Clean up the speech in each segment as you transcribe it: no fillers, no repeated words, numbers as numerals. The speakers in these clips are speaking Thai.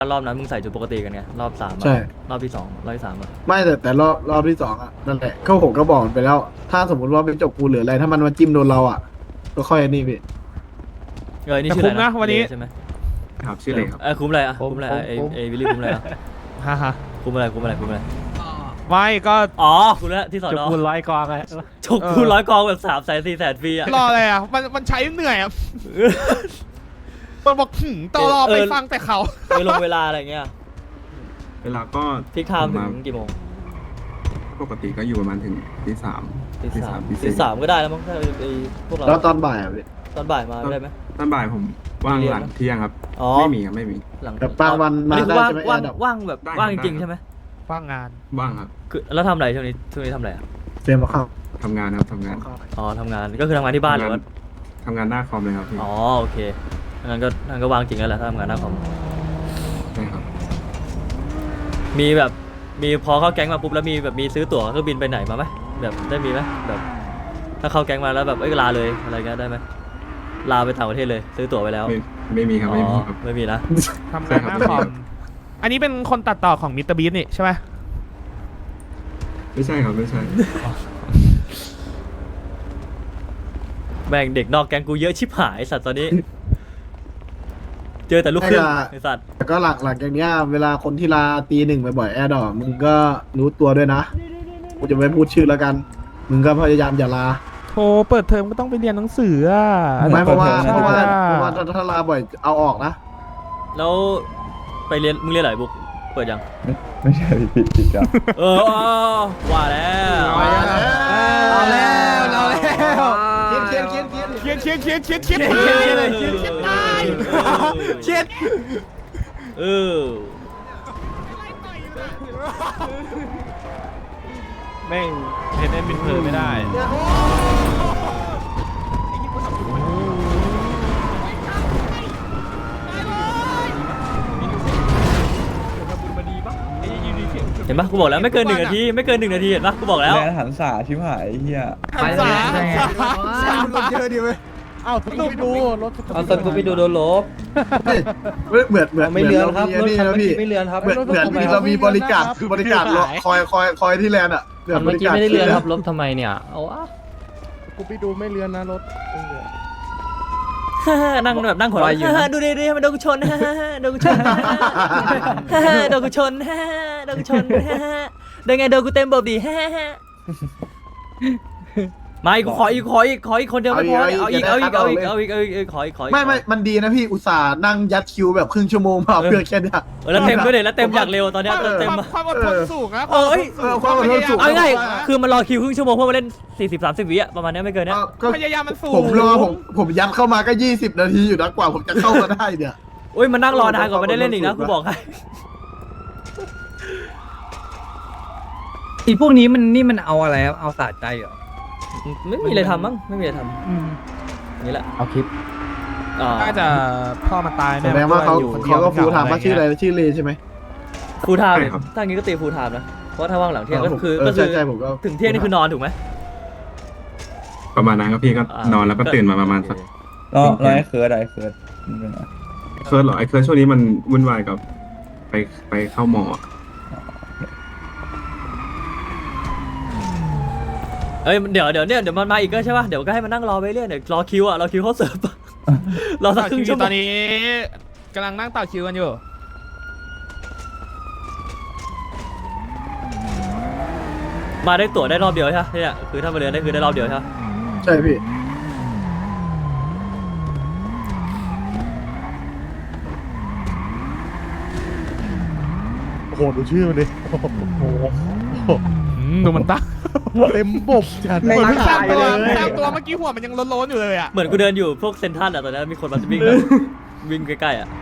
รอบนั้นมึงใส่ชุดปกติกันไงรอบ3อะใช่รอบที่2รอบที่3อะไม่แต่รอบที่สองอ่ะนั่นแหละก็ผมก็บอกมันไปแล้ว ถ้าสมมติว่าเป็นจบกูหรืออะไร ถ้ามันมาจิ้มโดนเราอ่ะ ก็ค่อยนี่พี่นี่แต่ชื่อคุ้อะไรมนะวันนี้ใช่ไหมครับชื่ออะไรครับคุ้มอะไรอะคุ้มอะไรไอ้วิลลี่คุ้มอะไรอะฮ่าฮ่าคุ้มอะไรคุ้มอะไรคุ้มอะไรไม่ก็อ๋อคุ้มแล้วที่สอนจุกอคูณ100 กองไงจกคูณ100 กองแบบ300,000 400,000ฟรีอะรออะไรอ่ะมันใช้เหนื่อยอ่ะมันบอกต่อรอไปฟังแต่เขาไปลงเวลาอะไรเงี้ยเวลาก็พิกไทม์ถึงกี่โมงปกติก็อยู่ประมาณถึงตีสามตีสามก็ได้แล้วมั้งถ้าไอ้พวกเราแล้วตอนบ่ายอ่ะพี่ตอนบ่ายมาได้ไหมตอนบ่ายผมว่างหลังเที่ยงครับอ๋อไม่มีครับไม่มีหลังแบบบางวันมาอันนี้คือได้ว่างใช่ไหมว่างแอร์ดับว่างแบบได้ว่างจได้ริงๆใช่ไหมว่างงานว่างครับคือแล้วทำอะไรช่วงนี้ทำอะไรอะเฟรมมาเข้าทำงานครับทำงานอ๋อทำงานก็คือทำงานที่บ้านหรือว่าทำงานหน้าคอมเลยครับพี่อ๋อโอเคงั้นก็วางจริงแล้วแหละถ้าทำงานหน้าคอมใช่ครับมีแบบมีพอเข้าแก๊งมาปุ๊บแล้วมีแบบมีซื้อตั๋วเครื่องบินไปไหนมาไหมแบบได้มีไหมแบบถ้าเข้าแก๊งมาแล้วแบบลาเลยอะไรเงี้ยได้ไหมลาไปต่างประเทศเลยซื้อตั๋วไปแล้วไม่มีครับไม่มีครับไม่มีนะทำงานหน้าคอมอันนี้เป็นคนตัดต่อของมิสเตอร์บีสนี่ใช่ไหมไม่ใช่ครับไม่ใช่แม่งเด็กนอกแก๊งกูเยอะชิบหายสัตว์ตอนนี้ เจอแต่ลูกครึ่งไอสัตว์แต่ก็หลังจากเนี้ยเวลาคนที่ลาตีหนึ่งบ่อยๆแอร์ดอกมึงก็รู้ตัวด้วยนะกูจะไม่พูดชื่อแล้วกัน มึงก็พยายามอย่าลาโธ่เปิดเทอมก็ต้องไปเรียนหนังสืออ่ะไม่เพราะว่าปิดทอมถ้าลาบ่อยเอาออกนะแล้วไปเรียนมึงเรียนอะไรบุ๊กเปิดยังไม่ใช่ผิดครับว่าแล้วเอาแล้วเอาแล้วเขียนเชียดเลยเชียดตายเชียดเออแม่งเห็นเอ็นบินเพลไม่ได้เห็นปะกูบอกแล้วไม่เกิน1 นาทีไม่เกิน1 นาทีเห็นปะกูบอกแล้วแม่หันสาชิบหายเฮียหันษาเยอะดีเว้ยเอ้าทุกดูรถเอาตอนกูไปดูโดนลบเหมือนไม่เลือนครับเหมือนเรารถมีคันเมื่อกี้ไม่เลือนครับเหมือนเรามีบริการรอคอยที่แลนด์อ่ะคันเมื่อกี้ไม่ได้เลือนครับลบทำไมเนี่ยเอาวะกูไปดูไม่เลือนนะรถนั่งแบบนั่งหัวเราะดูดิมันโดนกูชนโดนกูชนโดนกูชนโดนกูชนได้ไงโดนกูเต็มบบดีไม่กูขออีกคนเดียวไม่พอเอาอีกขออีกไม่มันดีนะพี่อุตส่าห์นั่งยัดคิวแบบครึ่งชั่วโมงมาเพื่อแค่เนี้ยแล้วเต็มด้วยเลยแล้วเต็มอย่างเร็วตอนนี้เต็มความอดทนสูงนะความอดทนสูงเอาง่ายคือมันรอคิวครึ่งชั่วโมงเพื่อมาเล่น40-30 วิอะประมาณนี้ไม่เกินนี้ก็พยายามมันสูงผมยัดเข้ามาก็20 นาทีอยู่นะกว่าผมจะเข้ามาได้เนี่ยอุ้ยมันนั่งรอนานกว่าไม่ได้เล่นอีกนะกูบอกให้อีพวกนี้มันเอาอะไรครับเอาสะใจเหรอไม่มีอะไรทำมั้งไม่มีอะไรทำนี่แหละเอาคลิปน่าจะพ่อมันตายแสดงว่าเขาก็ฟูถามว่าชื่ออะไรชื่อเลใช่ไหมฟูลไทม์เลยถ้างี้ก็ตีฟูลไทม์นะเพราะถ้าว่างหลังเที่ยงก็คือใช่ผมก็ถึงเที่ยงนี่คือนอนถูกไหมประมาณนั้นครับพี่ก็นอนแล้วก็ตื่นมาประมาณสักรอไอ้เคิร์ดมันเป็นไงเคิร์ดเหรอไอ้เคิร์ดช่วงนี้มันวุ่นวายกับไปเข้าหมอเอ้ยเดี๋ยวมันมาอีกก็ใช่ป่ะเดี๋ยวก็ให้มันนั่งรอไปเรื่อยเดี๋ยวรอคิวอ่ะรอคิวเขาเสิร์ฟรอสักครึ่งชั่วโมตอง นนี้กำลังนั่งต่อคิวกันอยู่มาได้ตั๋วได้รอบเดียวใช่ไหมเนี่ยคือถ้ามาเรียนได้คือได้รอบเดียวใช่ไหมใช่พี่โอ้โหดูชื่อมันดิโอ้โหดูมันตั้งเต็มบบจัดเหมือนสร้างตัวเมื่อกี้หัวมันยังโล้นๆอยู่เลยอ่ะเหมือนกูเดินอยู่พวกเซนทรัลอ่ะตอนนี้มีคนมาวิ่งใกล้ๆอ่ะ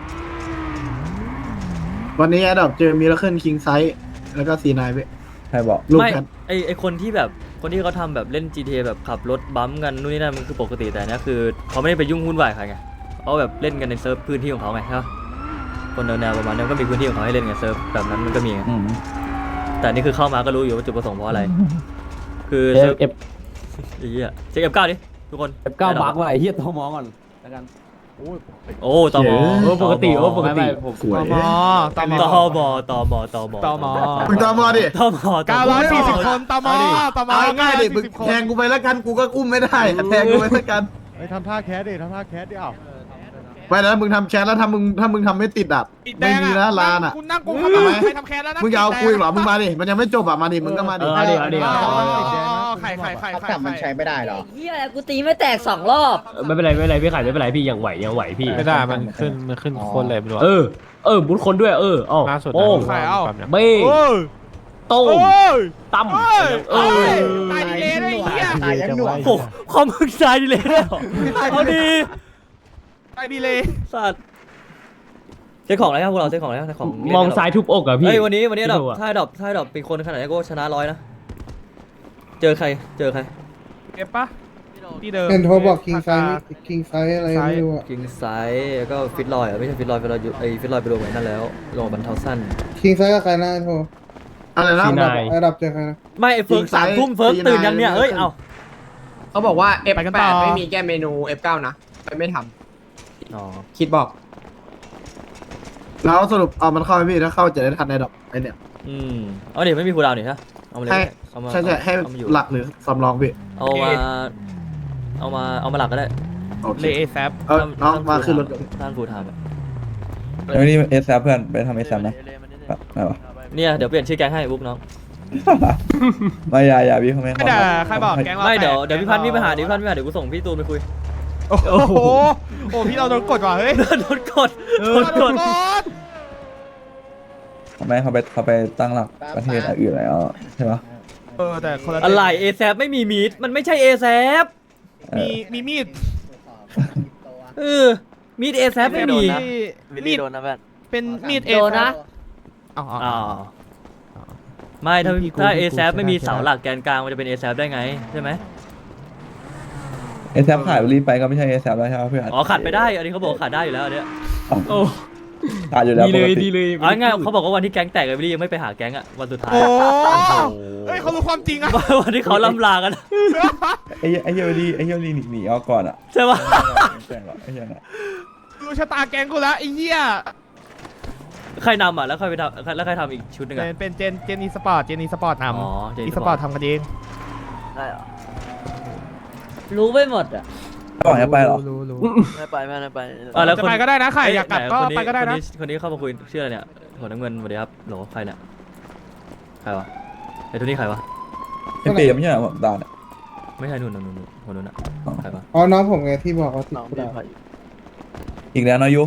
วันนี้แอดดอกเจอมิราเคิลคิงไซส์แล้วก็ซีนายไปใครบอกลูกไม่แพทไอคนที่แบบคนที่เขาทำแบบเล่น GTA แบบขับรถบัมป์กันนู่นนี่นั่นมันคือปกติแต่เนี้ยคือเขาไม่ได้ไปยุ่งวุ่นวายใครไงเขาแบบเล่นกันในเซิร์ฟพื้นที่ของเขาไงใช่ปะคนแนวประมาณนี้ก็มีพื้นที่ของเขาให้เล่นไงเซิร์ฟแบบนั้นมันก็มีไงแต่นี่คือเข้ามาก็รู้อยู่ว่าจุดประสงค์เพราะอะไร คือเซิร์ฟไอ้เหี้ยเช็ค F9 ดิทุกคน F9 บักว่ะไอ้เหี้ยโทรมองก่อนแล้วกันโอ้ตมปกติปกติสวยตมตมตมตมตมมึงตามมาดิตม 940 คนตมตมเอาง่ายดิมึง 940 คนแทงกูไปแล้วกันกูก็อุ้มไม่ได้แทงกูไปแล้วกันไปทำท่าแคสดิทำท่าแคสดิเอ้าไม่นะมึงทำแชทแล้วถ้ามึงทำไม่ติดอ่ะไม่มีนะลานอ่ะคุณนั่งกูเข้ามาใครทำแคสแล้วนะมึงจะเอาคุยเหรอมึงมาดิมันยังไม่จบอ่ะมาดิมึงก็มาดิใครแต่มันใช้ไม่ได้หรอเฮียกูตีไม่แตก2 รอบไม่เป็นไรพี่ไข่ไม่เป็นไรพี่ยังไหวพี่ไม่ได้มันขึ้นคนเลยไม่รู้บุญคนด้วยอ๋อล่าสุดโอ้ใครเอาเบ้ต้มตั้มตายดีเลยเฮียตายยังหน่วยโอ้ความมึงตายดีเลยเอาดีตายดีเลยสัตว์เจ้าของอะไรครับพวกเราเจ้าของอะไรครับของมองซ้ายทุบอกอะพี่เฮ้ยวันนี้ดอกพี่ดูอะถ้าดอกเป็นคนขนาดนี้ก็ชนะ100นะเจอใครเก็บปะที่เดิมเห็นโทรบอกคิงไซอะไรไม่รู้อะกิงไซด์แล้วก็ฟิตลอยไม่ใช่ฟิตลอยอยู่ไอ้ฟิตลอยไปลงไว้นั่นแล้วลงบรรเทาสั้นคิงไซกับใครนะโทรอะไรนะซีนายระดับเจอใครนะไม่ไอ้เฟิร์ก3 ทุ่มเฟิร์กตื่นยังเนี่ยเอ้ยเอาเขาบอกว่าไปกันต่อ F8 ไม่มีแก้เมนู F9 นะไม่ทอ๋อำคิดบอกแล้วสรุปเอามันเข้าไหมพี่ถ้าเข้าจะได้ทันในดอกไอเนี่ยเอาดิไม่มีคูลดาวน์นี่ฮะเอามาเลยให้เอามาใช่ให้เอามาอยู่หลักหรือสำรองพี่เอามาหลักก็ได้โอเคเลเอแซฟน้องมาขึ้นรถท่านฟูลไทม์เดี๋ยวนี้เอสแซเพื่อนไปทำเอสแซนะไม่วะเนี่ยเดี๋ยวเปลี่ยนชื่อแก๊งให้บุ๊กน้องไม่อย่าพี่เขาไม่ไม่ด่าใครบอกแก๊งเราไม่เดี๋ยวแตกพี่พันธ์มีปัญหาเดี๋ยวพี่พันธ์เดี๋ยวกูส่งพี่ตูนไปคุยโอ้โหโอ้พี่เราโดนกดว่ะเฮ้ยโดนกดโดนกดทำไมเขาไปตั้งหลักประเทศอื่นแล้วใช่ปะแต่คนละอะไรเอแซไม่มีมีดมันไม่ใช่เอแซมีมีดมีดเอแซไม่มีมีดโดนนะแม่เป็นมีดเอโดนนะอ๋ออ๋อไม่ถ้าพี่กูถ้าพี่เอกูแซไม่มีชนะเสาหลักแกนกลางมันจะเป็นเอแซได้ไงใช่ไหมเอสแซขายรีบไปก็ไม่ใช่เอสแซแล้วใช่ปะเพื่อนอ๋อขาดไปได้อันนี้เขาบอกขาดได้อยู่แล้วอันเนี้ยโอ้ขาดอยู่แล้วดีปเลกยติดีเลยอ๋อง่ายเขาบอกว่าวันที่แก๊งแตกไอ้วิลลี่ยังไม่ไปหาแก๊งอ่ะวันสุดท้ายโอ้เฮ้ยเขารู้ความจริงอะวันที่เขาล่ำลากันไอ้เฮียรีหนีออกก่อนอ่ะใช่ปะไอ้เฮียน่ะรู้ชะตาแกงกูแล้วไอ้เหี้ยใครนำอ่ะแล้วใครไปทำแล้วใครทำอีกชุดหนึงอ่ะเป็นเจนอีสปอร์ตนอ๋อเจนำอีอีสสปปออร์ร์ตตทำกันเองรู้ไม่หมดอ่ะก่อนจะไปเหรอรู้ไม่ไปแล้วจะไปก็ได้นะใครอยากกลับก็คนนี้ไปก็ได้นะคนนี้เข้ามาคุยชื่ออะไรเนี่ยหัวน้ำเงินสวัสดีครับโหลใครเนี่ยใครวะไอ้ตัวนี้ใครวะไอ้เปย์ไม่ใช่เหรอผมด่าเนี่ยไม่ใช่นู่นหัวนู้นอ่ะใครวะอ๋อน้องผมไงที่บอกว่าติดกระดาษอีกแล้วนะยุ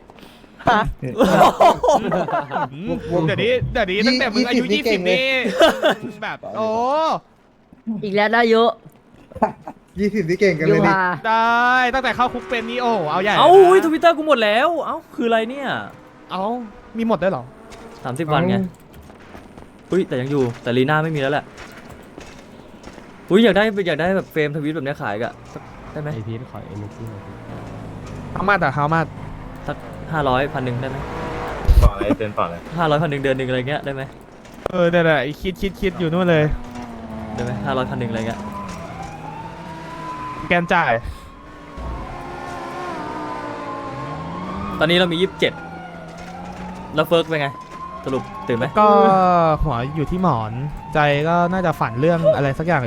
เดี๋ยวนี้ตั้งแต่มึงอายุ20นี่แบบโอ้อีกแล้วได้เยอะ 20ที่เก่งกันยูเลยนี่ฮาได้ตั้งแต่เข้าคุกเป็นนี่โอ้เอาใหญ่เอ้านะทวิตเตอร์กูหมดแล้วเอ้าคืออะไรเนี่ยเอามีหมดด้วยเหรอ 30 วันไงอุ้ยแต่ยังอยู่แต่ลีน่าไม่มีแล้วแหละอุ้ยอยากได้แบบเฟรมทวิตแบบเนี้ยขายกะสักได้ไหมไอพีทขอเอเนจีเอามาแต่เขามาสัก500 1,000ได้ไหมฝ่าอะไรเต็นฝ่าอะไร 500 1,000เดือนหนึ่งอะไรเงี้ยได้ไหมเนี่ยคิดอยู่นู่นเลยได้ไหม500 1,000อะไรเงี้ยแกนจ่ายตอนนี้เรามี27แล้วเฟิร์กเป็นไงสรุปตื่นไหมก็หัวอยู่ที่หมอนใจก็น่าจะฝันเรื่องอะไรสักอย่างเลย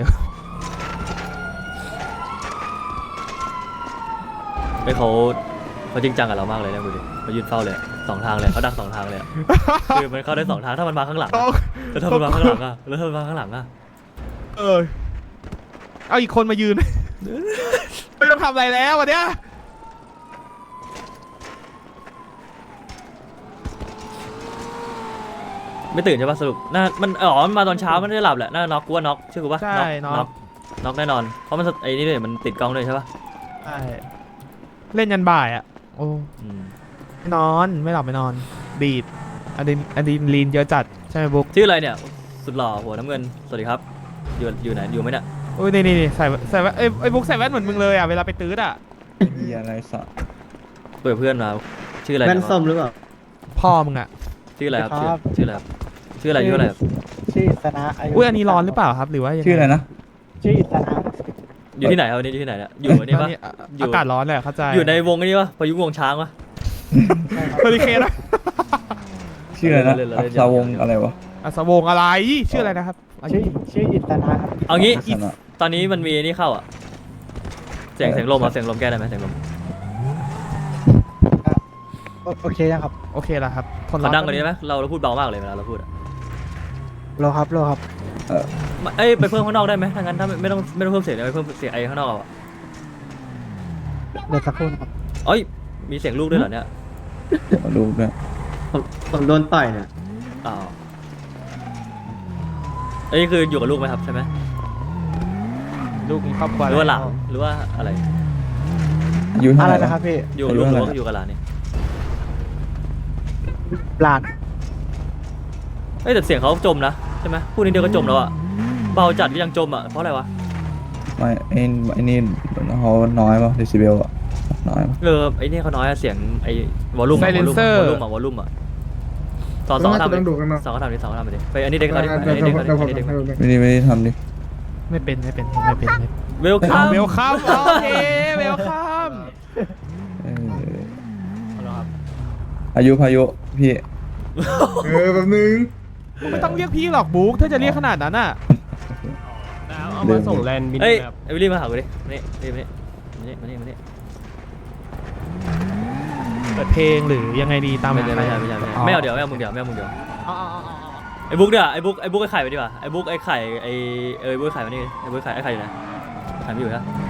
เฮ้ยเขาจริงจังกับเรามากเลยนะดูดิเขายืนเฝ้าเลย2 ทางเลยเขาดัก2 ทางเลยอะคือมันเข้าได้2 ทางถ้ามันมาข้างหลังอะแล้วถ้ามันมาข้างหลังอะแล้วถ้ามันมาข้างหลังอะเอาอีกคนมายืน ไม่ต้องทำอะไรแล้ววันเนี้ยไม่ตื่นใช่ปะสรุปน่ามันมันมาตอนเช้ามันไม่ได้หลับแหละน่าน็อกกูว่าน็อกเชื่อกูปะใช่น็อกน็อกแน่นอนเพราะมันไอ้นี่เลยมันติดกล้องด้วยใช่ปะใช่เล่นยันบ่ายอ่ะโอ้อืมไม่นอนไม่หลับไม่นอนดีดอะดรีนาลีนเยอะจัดใช่ไหมบุ๊กชื่ออะไรเนี่ยสุดหล่อหัวน้ำเงินสวัสดีครับอยู่ไหนอยู่ไหมเนี่ยโอ้ยนี่ใส่แว่นไอ้บุ๊กใส่แว่นเหมือนมึงเลยอ่ะเวลาไปตื้ออ่ะเฮียอะไรสัตว์เปิดเพื่อนมาชื่ออะไรแว่นเนี่ยส้มหรือเปล่าพ่อมึงอ่ะชื่ออะไรครับชื่ออะไรครับชื่ออะไรครับชื่อสนะอายุอุ้ยอันนี้ร้อนหรือเปล่าครับหรือว่ายังไงชื่ออะไรนะชื่อสนะอยู่ที่ไหนครับวันนี้อยู่ที่ไหนเนี่ยอยู่อันนี้ปะ อยู่อากาศร้อนแหละเข้าใจอยู่ในวงอันนี้ปะพายุงวงช้างปะเฮอริเคนนะชื่ออะไรนะเล่นๆอัศวงศ์อะไรวะอัศวงอะไรชื่ออะไรนะครับชื่ออิตนาครับเอางี้ลักษณะตอนนี้มันมีนี่เข้าอ่ะเสียงลมอ่ะเสียงลมแก้ได้ไหมเสียงลมโอเคยังครับโอเคแล้วครับคนเขาดังกว่านี้ได้ไหมเราพูดเบามากเลยเวลาเราพูดอะรอครับเอ้ยไปเพิ่มข้างนอกได้ไหมถ้างั้นถ้าไม่ต้องเพิ่มเสียงเลยไปเพิ่มเสียงไอ้ข้างนอกเอาอะเดี๋ยวสักครู่ครับเอ้ยมีเสียงลูกด้วยเหรอเนี่ยมาดูเนี่ยผมโดนต่อยเนี่ยอ้าวอันนี้คืออยู่กับลูกไหมครับใช่ไหมลูกมีครอบครัวหรือว่าหลานหรือว่าอะไรอายุเท่าอะไรไหร่นะครับพี่อยู่กับลูกหรือว่าอยู่กับหลานนี่หลานเอ้ยแต่เสียงเขาจมนะใช่ไหมพูดนิดเดียวก็จมแล้วอะเบาจัดก็ยังจมอะเพราะอะไรวะไม่ไอ้นี่เขาน้อยป่ะเดซิเบลอะน้อยป่ะไอ้นี่เขาน้อยอะเสียงไอ้วอลลุ่มไซเลนเซอร์วอลลุ่มอะสองทำดิต้องดูกันเนอะสองทำดิไปอันนี้เด็กเขาดิอันนี้เด็กเขาดิอันนี้เด็กเขาดิไม่ได้ทำดิไม่เป็นเวลคัมเวลคัมโอเคเวลคัมเอออายุพายุพี่แป๊บนึงไม่ต้องเรียกพี่หรอกบุ๊กถ้าจะเรียกขนาดนั้นอ่ะเอามาส่งแลนด์บินเอ้ยแบบไอ้วิลลี่มาหากูดิมานี่มานี่เปิดเพลงหรือยังไงดีตามไม่เอาเดี๋ยวไม่เอามึงเดี๋ยวไอ้บุ๊กเดี๋ยวไอ้บุ๊กไอ้ไข่ไปดีกว่าไอ้บุ๊กไอ้ไข่ไอ้บุ๊กไอ้ไข่มานี่ไอ้บุ๊กไอ้ไข่อยู่ไหนไข่ไม่อยู่นะ